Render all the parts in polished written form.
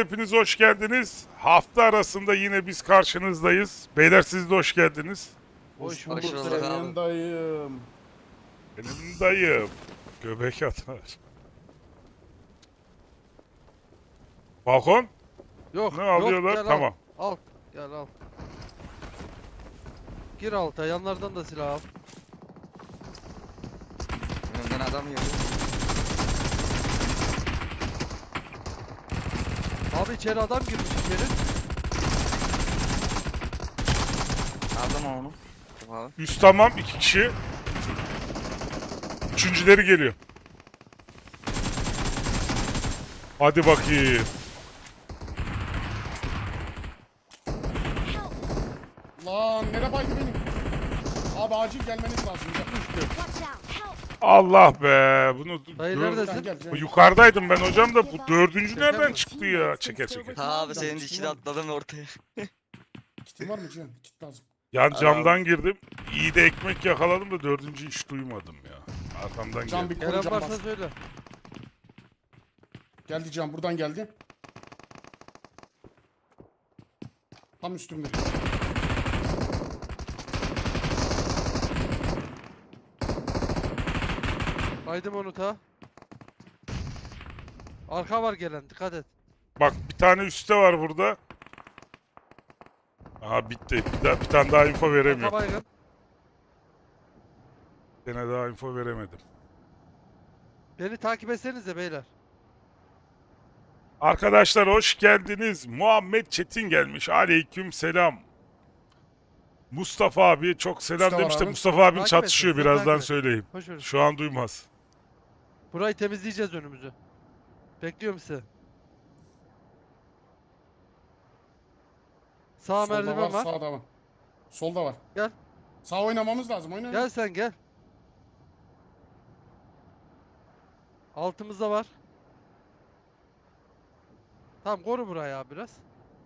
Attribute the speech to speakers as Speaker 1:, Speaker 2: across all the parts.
Speaker 1: hepiniz hoş geldiniz. Hafta arasında yine biz karşınızdayız. Beyler siz de hoş geldiniz.
Speaker 2: Hoş
Speaker 3: Hoş
Speaker 2: bulduk
Speaker 3: bulduk
Speaker 2: senin
Speaker 3: abi.
Speaker 2: dayım.
Speaker 1: Benim dayım. Göbek atar. Balkon?
Speaker 3: Yok,
Speaker 1: Ne
Speaker 3: yok,
Speaker 1: alıyorlar?
Speaker 3: gel
Speaker 1: Tamam.
Speaker 3: Al, gel al. Gir alta, yanlardan da silah al.
Speaker 4: Önümden adam geliyor.
Speaker 3: Abi içeri adam girmiş içeri.
Speaker 4: Aldım onu. Abi.
Speaker 1: Üst tamam 2 kişi. Üçüncüleri geliyor. Hadi bakayım.
Speaker 2: Lan nereye baydı benim? Abi acil gelmeniz lazım.
Speaker 5: Watch out! Help!
Speaker 1: Allah be. Bunu
Speaker 3: Dayı
Speaker 1: dör-
Speaker 3: neredesin?
Speaker 2: Gel.
Speaker 1: Yukarıdaydım ben hocam da bu dördüncü
Speaker 3: Çeker
Speaker 1: nereden
Speaker 3: mi?
Speaker 1: çıktı ya? Çeker çeker.
Speaker 4: Abi senin içine atladım ortaya.
Speaker 2: Kitin var mı Cihan? Kit lazım.
Speaker 1: Yan
Speaker 4: Hadi
Speaker 1: camdan girdim. İyi de ekmek yakaladım da dördüncü hiç duymadım ya. Arkamdan
Speaker 2: Can
Speaker 1: geldi.
Speaker 2: bir koru
Speaker 3: Gelen
Speaker 2: can
Speaker 3: varsa
Speaker 2: bas.
Speaker 3: söyle.
Speaker 2: Geldi Can buradan geldi. Tam üstümde.
Speaker 3: Baydım onu ta. Arka var gelen, dikkat et.
Speaker 1: Bak bir tane üstte var burada. Aha bitti. Bir tane daha info
Speaker 3: Arka
Speaker 1: veremiyorum.
Speaker 3: baygın.
Speaker 1: Bir tane daha info veremedim.
Speaker 3: Beni takip etsenize beyler.
Speaker 1: Arkadaşlar hoş geldiniz. Muhammed Çetin gelmiş. Aleyküm selam. Mustafa abi çok selam
Speaker 2: Mustafa
Speaker 1: demiş de
Speaker 2: abi.
Speaker 1: Mustafa abim
Speaker 3: Takip
Speaker 1: çatışıyor
Speaker 3: etsin,
Speaker 1: birazdan
Speaker 3: takip et.
Speaker 1: söyleyeyim.
Speaker 3: Hoş ver.
Speaker 1: Şu an duymaz.
Speaker 3: Burayı temizleyeceğiz önümüzü. Bekliyorum sizi. Sağ
Speaker 2: Solda
Speaker 3: merdiven var.
Speaker 2: Sağda var. Solda var.
Speaker 3: Gel.
Speaker 2: Sağ oynamamız lazım. Oyna.
Speaker 3: Gel sen gel. Altımızda var. Tamam koru burayı abi biraz.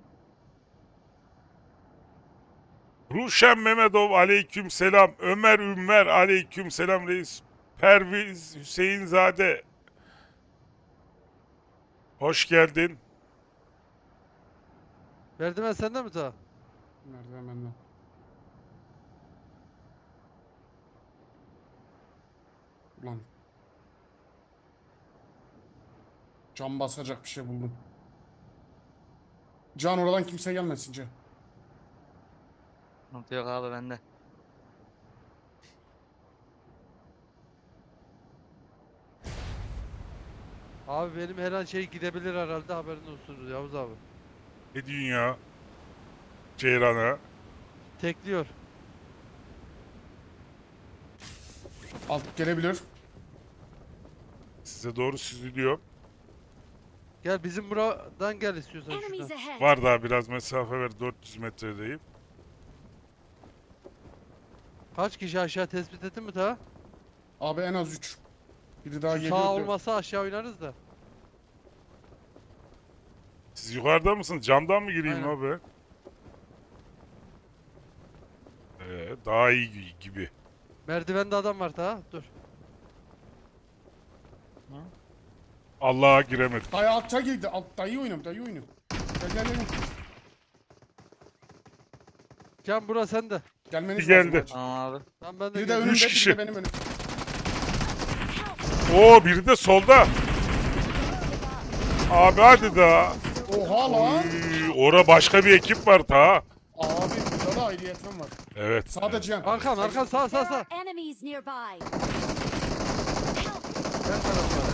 Speaker 1: Ruşen Mehmetov aleyküm selam. Ömer Ümmer aleyküm selam reis. Perviz Hüseyinzade. Hoş geldin.
Speaker 3: Merdiven sende mi ta?
Speaker 2: Nerede bende? Ulan. Can basacak bir şey buldum. Can oradan kimse gelmesin Can.
Speaker 4: Yok abi bende.
Speaker 3: Abi benim her an şey gidebilir herhalde, haberin olsun Yavuz abi.
Speaker 1: Ne diyorsun ya? Ceyran'a.
Speaker 3: Tekliyor.
Speaker 2: Alt gelebilir.
Speaker 1: Size doğru süzülüyor.
Speaker 3: Gel bizim buradan gel istiyorsan
Speaker 5: Enemies
Speaker 3: şuradan.
Speaker 5: ahead!
Speaker 1: Var daha biraz mesafe ver. 400 metredeyim.
Speaker 3: Kaç kişi aşağı tespit ettin mi ta?
Speaker 2: Abi en az 3. Biri daha
Speaker 3: Şu
Speaker 2: geliyor.
Speaker 3: sağ
Speaker 2: diyor.
Speaker 3: olmasa aşağı oynarız da.
Speaker 1: Siz yukarıda mısınız? Camdan mı gireyim
Speaker 3: Aynen.
Speaker 1: abi? Daha iyi gibi.
Speaker 3: Merdivende adam var ta. Dur.
Speaker 1: Allah'a giremedim.
Speaker 2: Dayı altta girdi. Dayı oynuyorum. Gel.
Speaker 3: Can bura sende.
Speaker 2: Gelmeniz
Speaker 1: Bir
Speaker 2: lazım.
Speaker 1: geldi.
Speaker 2: acil.
Speaker 4: Tamam abi.
Speaker 3: Tamam ben de
Speaker 2: Biri de
Speaker 3: geldim.
Speaker 2: önümde, biri
Speaker 1: kişi.
Speaker 2: de benim önüm.
Speaker 1: Oo biri de solda. Abi hadi da.
Speaker 2: Oha lan.
Speaker 1: Ora başka bir ekip var ta.
Speaker 2: Abi burada da ayrıyeten var.
Speaker 1: Evet.
Speaker 2: Sağda Cihan.
Speaker 3: Arkan sağ
Speaker 5: There
Speaker 3: sağ.
Speaker 5: are enemies nearby!
Speaker 3: Gel tarafa.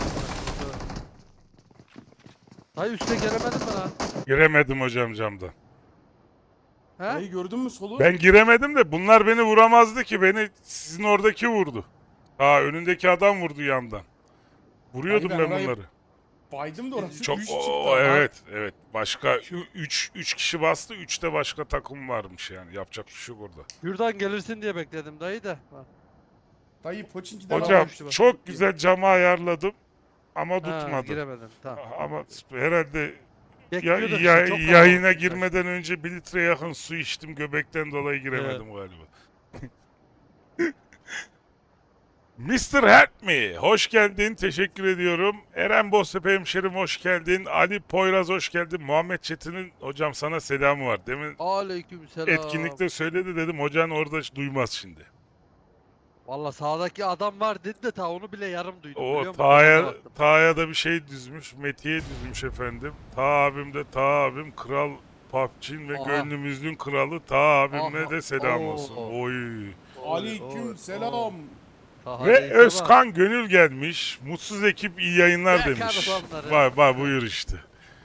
Speaker 3: Hayır üste gelemedim ben ha.
Speaker 1: Giremedim hocam camdan.
Speaker 3: He?
Speaker 2: Dayı gördün mü solu?
Speaker 1: Ben giremedim de bunlar beni vuramazdı ki. Beni sizin oradaki vurdu. Ha önündeki adam vurdu yandan. Vuruyordum
Speaker 2: Abi ben
Speaker 1: ben
Speaker 2: orayı-
Speaker 1: bunları.
Speaker 2: Baydım da orası
Speaker 1: Çok
Speaker 2: 3 çıktı.
Speaker 1: evet. Başka 3 kişi bastı. 3'te başka takım varmış yani. Yapacak bir şey yok orada.
Speaker 3: Şuradan gelirsin diye bekledim dayı da. Ha.
Speaker 2: Dayı Poçinki'den
Speaker 1: Hocam
Speaker 3: düştü bak.
Speaker 1: çok güzel cama ayarladım ama
Speaker 3: Ha,
Speaker 1: tutmadı.
Speaker 3: giremedim. Tamam.
Speaker 1: Ama herhalde
Speaker 3: Bekliyorduk işte, çok
Speaker 1: yayına
Speaker 3: kalabalık.
Speaker 1: girmeden önce 1 litre yakın su içtim. Göbekten dolayı giremedim galiba. Mr. Help Me, hoş geldin. Teşekkür ediyorum. Eren Boztepe hemşerim hoş geldin. Ali Poyraz hoş geldin. Muhammed Çetin'in hocam sana selamı var. Demin
Speaker 3: Aleykümselam.
Speaker 1: etkinlikte söyledi dedim. Hocan orada duymaz şimdi.
Speaker 3: Valla sağdaki adam var dedi de ta onu bile yarım duydum biliyor
Speaker 1: O
Speaker 3: musun?
Speaker 1: Taha'ya
Speaker 3: Ona baktım.
Speaker 1: Taha'ya da bir şey düzmüş. Metiye düzmüş efendim. Taha abim de Taha abim kral PUBG'nin ve
Speaker 3: Aha.
Speaker 1: gönlümüzün kralı Taha abime
Speaker 3: Aha.
Speaker 1: de selam
Speaker 3: Oo.
Speaker 1: olsun. Oy.
Speaker 2: Aleyküm selam.
Speaker 3: Taha
Speaker 1: Ve
Speaker 3: neyse bak.
Speaker 1: Özkan Gönül gelmiş. Mutsuz ekip iyi yayınlar
Speaker 3: Yakar
Speaker 1: demiş.
Speaker 3: adamları.
Speaker 1: Vay vay buyur işte.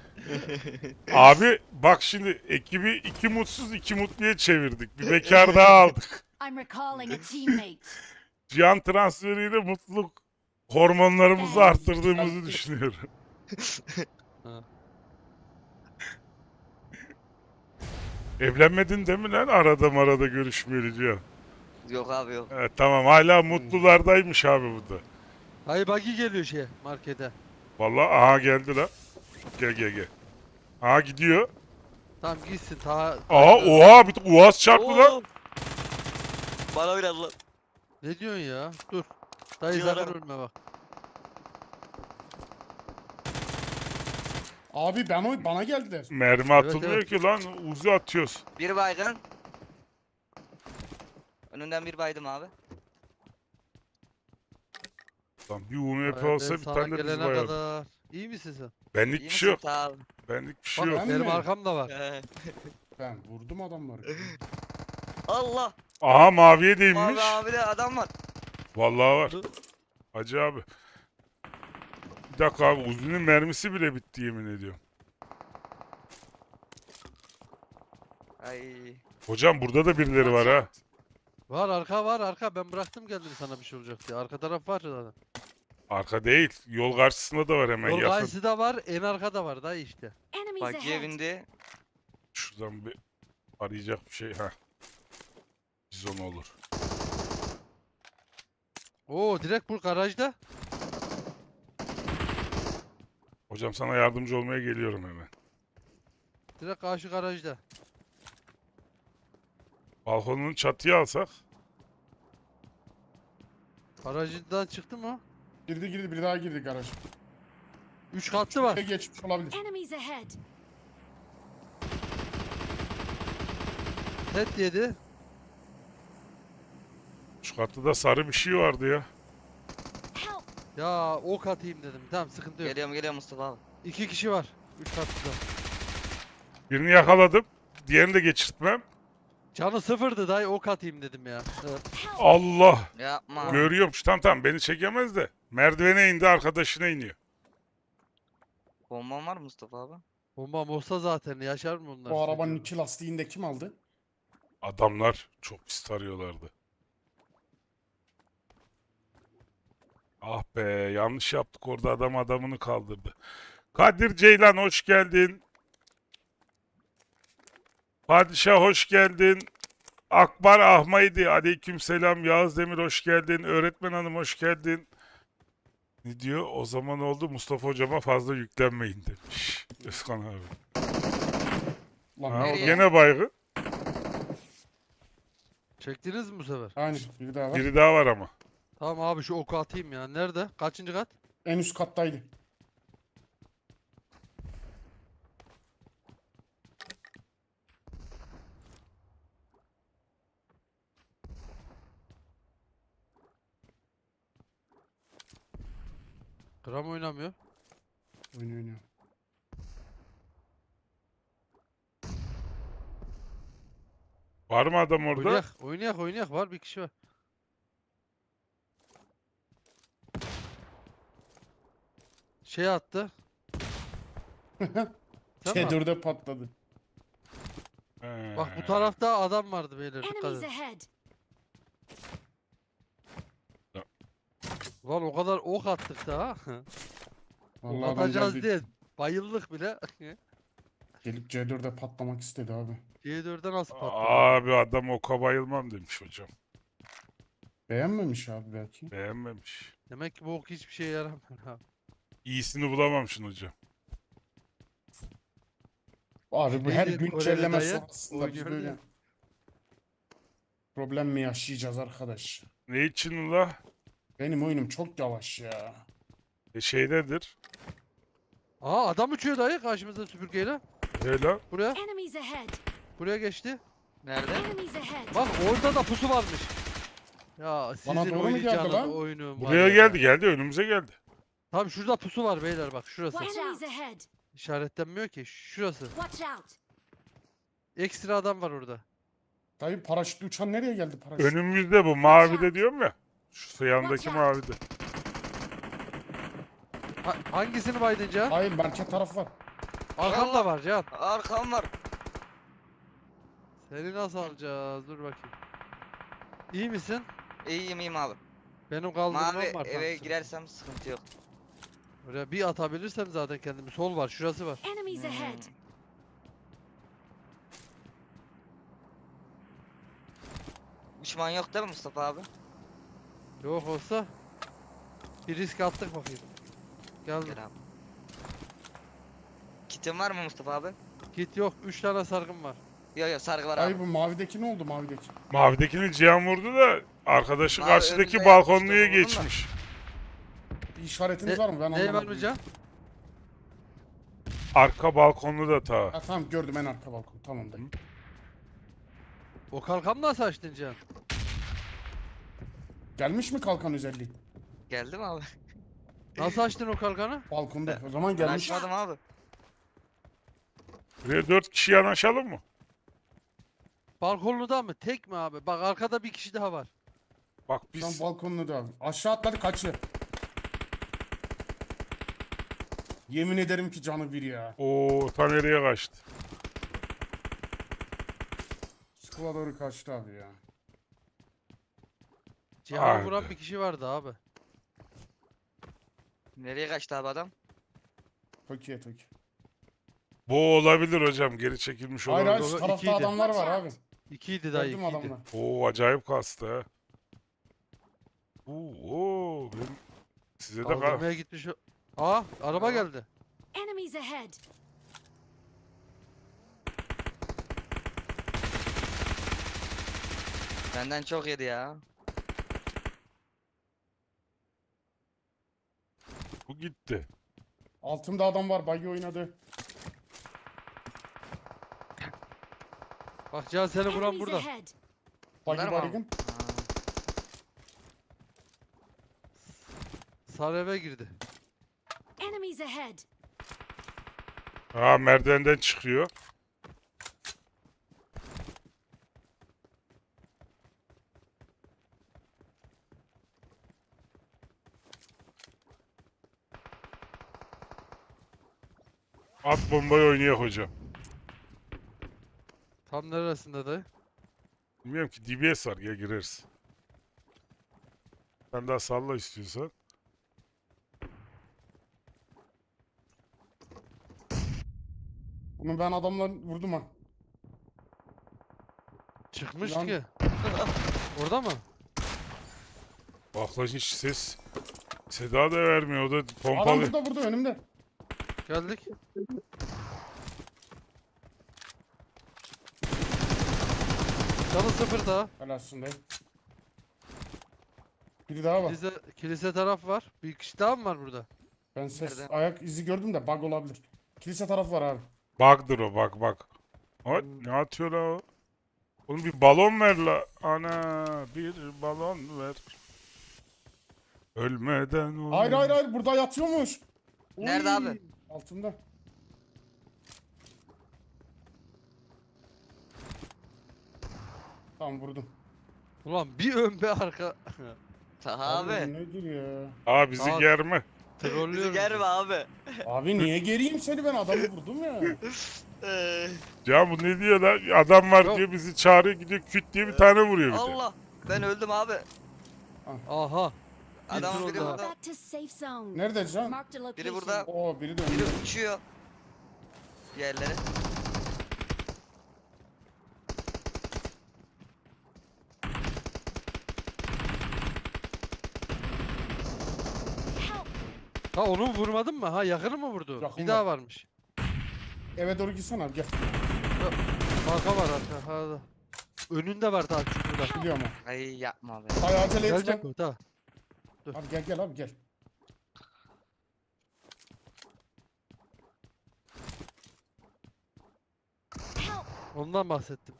Speaker 1: Abi bak şimdi ekibi iki mutsuz iki mutluya çevirdik. Bir bekar daha aldık.
Speaker 5: I'm recalling a teammate.
Speaker 1: Cihan transferiyle mutluluk hormonlarımızı arttırdığımızı düşünüyorum.
Speaker 3: Ha.
Speaker 1: Evlenmedin değil mi lan? Arada görüşmeyeli Cihan.
Speaker 4: Yok abi yok.
Speaker 1: Evet, tamam hala mutlulardaymış abi bu da.
Speaker 3: Hayır buggy geliyor markete.
Speaker 1: Vallahi aha geldi lan. Gel. Aha gidiyor.
Speaker 3: Tamam gitsin Taha.
Speaker 1: Aha oha bir uaz çarptı lan.
Speaker 4: Oo! Bana biraz lan.
Speaker 3: Ne diyorsun ya? Dur. Dayı
Speaker 4: Diyorum.
Speaker 3: sakın ölme bak.
Speaker 2: Abi bana geldiler.
Speaker 1: Mermi atılmıyor
Speaker 3: evet.
Speaker 1: ki lan. Uzi atıyoruz.
Speaker 4: Bir baygın. Önünden bir baydım abi.
Speaker 1: Lan bir UMP
Speaker 3: Ben
Speaker 1: olsa bir
Speaker 3: sana
Speaker 1: tane de biz
Speaker 3: gelene
Speaker 1: bayardık.
Speaker 3: kadar. İyi misin sen?
Speaker 1: Benlik
Speaker 4: İyi
Speaker 1: bir şey yok.
Speaker 4: misin? Sağ ol.
Speaker 1: Benlik bir şey
Speaker 3: Bak
Speaker 1: yok.
Speaker 2: Ben
Speaker 3: benim
Speaker 2: mi?
Speaker 3: arkamda var.
Speaker 2: Ben vurdum adamları.
Speaker 4: Allah.
Speaker 1: Aha maviye değinmiş.
Speaker 4: Abi de adam var.
Speaker 1: Vallahi var. Hacı abi. Bir dakika abi Uzi'nin mermisi bile bitti yemin ediyorum.
Speaker 4: Ay.
Speaker 1: Hocam burada da birileri var ha.
Speaker 3: Var arka ben bıraktım geldim sana bir şey olacak diye. Arka taraf var zaten.
Speaker 1: Arka değil. Yol karşısında da var hemen
Speaker 3: Yol
Speaker 1: yakın.
Speaker 3: karşısı da var en arkada var dayı işte.
Speaker 5: Enemies
Speaker 4: Bak
Speaker 5: ahead.
Speaker 4: evinde.
Speaker 1: Şuradan bir arayacak bir şey. Ha. Bizon olur.
Speaker 3: Oo direkt bu garajda.
Speaker 1: Hocam sana yardımcı olmaya geliyorum hemen.
Speaker 3: Direkt karşı garajda.
Speaker 1: Balkonun çatıya alsak.
Speaker 3: Garajından çıktı mı?
Speaker 2: Girdi bir daha girdi garaj.
Speaker 3: 3 katlı var.
Speaker 2: Geçmiş olabilir.
Speaker 5: Enemies ahead.
Speaker 3: Set yedi.
Speaker 1: Şu katta da sarı bir şey vardı ya.
Speaker 5: Help.
Speaker 3: Ya ok atayım dedim. Tamam sıkıntı yok.
Speaker 4: Geliyorum Mustafa abi.
Speaker 3: 2 kişi var. 3 katlıda.
Speaker 1: Birini yakaladım. Diğerini de geçirtmem.
Speaker 3: Canı sıfırdı dayı ok atayım dedim ya. Evet.
Speaker 5: Help.
Speaker 1: Allah.
Speaker 4: Yapma.
Speaker 1: Görüyormuş. Tamam beni çekemez de. Merdivene indi arkadaşına iniyor.
Speaker 4: Bomban var mı Mustafa abi?
Speaker 3: Bombam olsa zaten yaşar mı onlar?
Speaker 2: O arabanın iki lastiğini de kim aldı?
Speaker 1: Adamlar çok pis tarıyorlardı. Ah be yanlış yaptık orada adam adamını kaldırdı. Kadir Ceylan hoş geldin. Padişah hoş geldin. Akbar Ahmaydi aleykümselam. Yağız Demir hoş geldin. Öğretmen hanım hoş geldin. Ne diyor? O zaman oldu Mustafa hocama fazla yüklenmeyin demiş. Özkan abi.
Speaker 2: Lan
Speaker 1: Ha, o
Speaker 4: nereye?
Speaker 1: gene baygın.
Speaker 3: Çektiniz mi bu sefer?
Speaker 2: Aynen biri daha var.
Speaker 1: Biri daha var ama.
Speaker 3: Tamam abi şu oku atayım ya. Nerede? Kaçıncı kat?
Speaker 2: En üst kattaydı.
Speaker 3: Gram oynamıyor.
Speaker 2: Oynuyor.
Speaker 1: Var mı adam orada?
Speaker 3: Oynayak var bir kişi var. Şey attı. Sen mi attın?
Speaker 2: C4'e patladı.
Speaker 3: Bak bu tarafta adam vardı beyler dikkat
Speaker 5: Enemies
Speaker 3: edin.
Speaker 5: ahead.
Speaker 3: Lan o kadar ok attık da ha. Ok
Speaker 2: Vallahi ben
Speaker 3: atacağız
Speaker 2: geldi,
Speaker 3: diye bayıldık bile.
Speaker 2: gelip C4'e patlamak istedi abi.
Speaker 3: C4'e nasıl patladı?
Speaker 1: Abi adam oka bayılmam demiş hocam.
Speaker 2: Beğenmemiş abi belki.
Speaker 1: Beğenmemiş.
Speaker 3: Demek ki bu ok hiçbir şeye yaramıyor abi.
Speaker 1: İyisini bulamamışsın hocam.
Speaker 2: Abi bu her
Speaker 3: Neydi
Speaker 2: güncelleme
Speaker 3: Koreli dayı?
Speaker 2: sonrasında biz
Speaker 3: Oynuyordu
Speaker 2: böyle
Speaker 3: ya.
Speaker 2: problem mi yaşayacağız arkadaş?
Speaker 1: Ne için ula?
Speaker 2: Benim oyunum çok yavaş ya.
Speaker 1: Şeydedir.
Speaker 3: Aa adam uçuyor dayı karşımızda süpürgeyle.
Speaker 1: Hele.
Speaker 3: Buraya.
Speaker 5: Enemies ahead.
Speaker 3: Buraya geçti.
Speaker 4: Nerede?
Speaker 5: Enemies ahead.
Speaker 3: Bak orada da pusu varmış. Ya sizin
Speaker 2: Bana doğru mu geldi
Speaker 3: oynayacağınız
Speaker 2: lan?
Speaker 3: oyunun var
Speaker 1: Buraya
Speaker 3: ya.
Speaker 1: geldi önümüze geldi.
Speaker 3: Tam şurada pusu var beyler bak şurası.
Speaker 5: Watch Enemies ahead.
Speaker 3: İşaretlenmiyor ki. Şurası.
Speaker 5: Watch out.
Speaker 3: Ekstra adam var orada.
Speaker 2: Dayı paraşütlü uçan nereye geldi paraşüt?
Speaker 1: Önümüzde bu mavide diyorum ya. Şu yandaki mavide.
Speaker 3: Hangisini baydın Can?
Speaker 2: Hayır merkez taraf var.
Speaker 3: Arkanda var Can.
Speaker 4: Arkam var.
Speaker 3: Seni nasıl alacağız? Dur bakayım. İyi misin?
Speaker 4: İyiyim abi.
Speaker 3: Benim kaldırmam
Speaker 4: Mavi
Speaker 3: var.
Speaker 4: eve
Speaker 3: tam.
Speaker 4: girersem sıkıntı yok.
Speaker 3: Oraya bir atabilirsem zaten kendimi. Sol var. Şurası var.
Speaker 5: Enemies ahead.
Speaker 4: Düşman yok değil mi Mustafa abi?
Speaker 3: Yok olsa bir risk attık bakayım. Geldim.
Speaker 4: Gel abi. Kitin var mı Mustafa abi?
Speaker 3: Git yok. 3 tane sargım var.
Speaker 4: Yok yok sargı var abi.
Speaker 2: Dayı bu mavideki ne oldu mavideki?
Speaker 1: Mavidekini Cihan vurdu da arkadaşı
Speaker 4: Mavi
Speaker 1: karşıdaki
Speaker 4: önünde
Speaker 1: balkonluya
Speaker 4: yapmıştı, vurdun mu?
Speaker 1: geçmiş.
Speaker 2: Bir işaretiniz
Speaker 3: Ne-
Speaker 2: var mı? Ben
Speaker 3: Ne var
Speaker 2: anlamadım.
Speaker 3: mı Can?
Speaker 1: Arka balkonlu da ta.
Speaker 2: Ha, tamam gördüm en arka balkon. Tamam dayı.
Speaker 3: O kalkanı nasıl açtın Can?
Speaker 2: Gelmiş mi kalkan özelliği?
Speaker 4: Geldi mi abi?
Speaker 3: Nasıl açtın o kalkanı?
Speaker 2: Balkonda. O zaman
Speaker 4: Ben
Speaker 2: gelmiş.
Speaker 4: açmadım abi.
Speaker 1: Buraya 4 kişi yanaşalım mı?
Speaker 3: Balkonluda mı? Tek mi abi? Bak arkada bir kişi daha var.
Speaker 1: Bak
Speaker 2: Şu an
Speaker 1: biz
Speaker 2: balkonda da. Aşağı atladı kaçtı. Yemin ederim ki canı bir ya.
Speaker 1: o ta nereye kaçtı?
Speaker 2: Skula doğru kaçtı abi ya.
Speaker 3: Cihan'ı
Speaker 1: Haydi.
Speaker 3: vuran bir kişi vardı abi.
Speaker 4: Nereye kaçtı abi adam?
Speaker 2: Toki'ye Toki.
Speaker 1: Bu olabilir hocam, geri çekilmiş
Speaker 2: Hayır
Speaker 1: olabilir.
Speaker 2: hayır şu
Speaker 3: Doğru,
Speaker 2: tarafta
Speaker 3: ikiydi.
Speaker 2: adamlar var abi.
Speaker 3: İkiydi dayı
Speaker 2: Gördüm
Speaker 3: ikiydi.
Speaker 2: adamlar.
Speaker 1: Oo acayip kastı ha. Oo ben size de
Speaker 3: Kaldırmaya gitmiş. Aa araba geldi.
Speaker 5: Enemies ahead.
Speaker 4: Benden çok yedi ya.
Speaker 1: bu gitti.
Speaker 2: Altımda adam var. Buggy oynadı.
Speaker 3: Bak Cihan seni vuran
Speaker 5: Enemies
Speaker 3: burada.
Speaker 5: ahead.
Speaker 2: Buggy
Speaker 4: Bunlar mı abi?
Speaker 2: baygın.
Speaker 3: Sarı eve girdi.
Speaker 5: Enemies ahead.
Speaker 1: Ha merdivenden çıkıyor. At bombayı oynayak hocam.
Speaker 3: Tam neresinde dayı?
Speaker 1: Bilmiyorum ki, DBS var, ya gireriz. Sen daha salla istiyorsan.
Speaker 2: Bunu ben adamla vurdum ha.
Speaker 3: Çıkmış
Speaker 2: Lan-
Speaker 3: ki. Orada mı?
Speaker 1: Bak lan hiç ses. Seda da vermiyor, o da
Speaker 2: Adam
Speaker 1: pompalı.
Speaker 2: burada önümde.
Speaker 3: Geldik. Canı sıfır daha.
Speaker 2: Helalsin dayı. Biri daha var.
Speaker 3: Kilise taraf var. Bir kişi daha mı var burada?
Speaker 2: Ben ses
Speaker 4: Nerede?
Speaker 2: ayak izi gördüm de bug olabilir. Kilise taraf var abi.
Speaker 1: Bug'dır o, bak. O, ne atıyor la o? Oğlum bir balon ver la. Ana bir balon ver. Ölmeden ol.
Speaker 2: Hayır burada yatıyormuş.
Speaker 4: Nerede
Speaker 2: Oy,
Speaker 4: abi?
Speaker 2: Altında. Tamam vurdum.
Speaker 3: Ulan bir ön bir arka.
Speaker 4: Abi.
Speaker 2: Nedir ya?
Speaker 1: Aa bizi
Speaker 3: Abi.
Speaker 1: germe.
Speaker 4: Bizi
Speaker 3: Trollüyorum.
Speaker 4: germe abi.
Speaker 2: Abi niye geriyim seni, ben adamı vurdum ya.
Speaker 1: Ya bu ne diyor lan? Adam var
Speaker 3: Yok.
Speaker 1: diyor, bizi çağırıyor, gidiyor küt diye bir tane vuruyor bir de.
Speaker 4: Allah. Ben öldüm abi.
Speaker 3: Aha.
Speaker 4: Adam
Speaker 3: troll
Speaker 4: biri
Speaker 3: daha.
Speaker 4: burada.
Speaker 5: Back to safe zone.
Speaker 2: Nerede can?
Speaker 5: Marked a location.
Speaker 4: Biri burada.
Speaker 2: Oo biri de
Speaker 4: Biri
Speaker 2: önünde.
Speaker 4: uçuyor. Yerlere.
Speaker 5: Help.
Speaker 3: Ha onu vurmadın mı? Ha yakını mı vurdu?
Speaker 2: Yakın
Speaker 3: Bir daha
Speaker 2: var.
Speaker 3: varmış.
Speaker 2: Eve doğru gitsene abi gel.
Speaker 3: Arka var arka. Ha, da. Önünde var daha çukurda.
Speaker 2: Gidiyorum ha.
Speaker 4: Ay yapma be.
Speaker 2: Hay acele etme.
Speaker 3: Gelecek mi? Tamam. Dur.
Speaker 2: Abi gel gel abi gel.
Speaker 5: Help!
Speaker 3: Ondan bahsettim.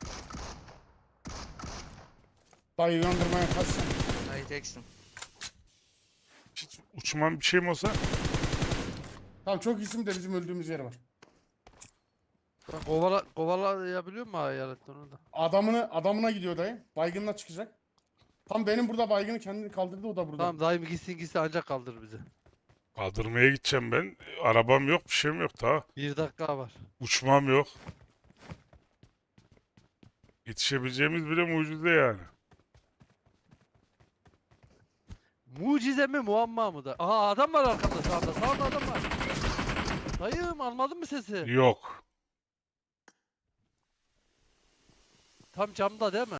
Speaker 2: Dayı uyandırmaya kaçsın.
Speaker 4: Dayı teksin.
Speaker 1: Hiç uçman bir şey mi olsa?
Speaker 2: Tamam çok isim de bizim öldüğümüz yer var.
Speaker 3: Ben kovalayabiliyor mu hayaletten onu da?
Speaker 2: Adamına gidiyor dayı. Baygınla çıkacak. Tam benim burada baygını kendini kaldırdı, o da burada.
Speaker 3: Tamam dayım gitsin ancak kaldırır bizi.
Speaker 1: Kaldırmaya gideceğim ben. Arabam yok, bir şeyim yok daha.
Speaker 3: 1 dakika var.
Speaker 1: Uçmam yok. Yetişebileceğimiz bile mucize yani.
Speaker 3: Mucize mi muamma mı da? Aha adam var arkada sağda. Sağda adam var. Dayım almadın mı sesi?
Speaker 1: Yok.
Speaker 3: Tam camda değil mi?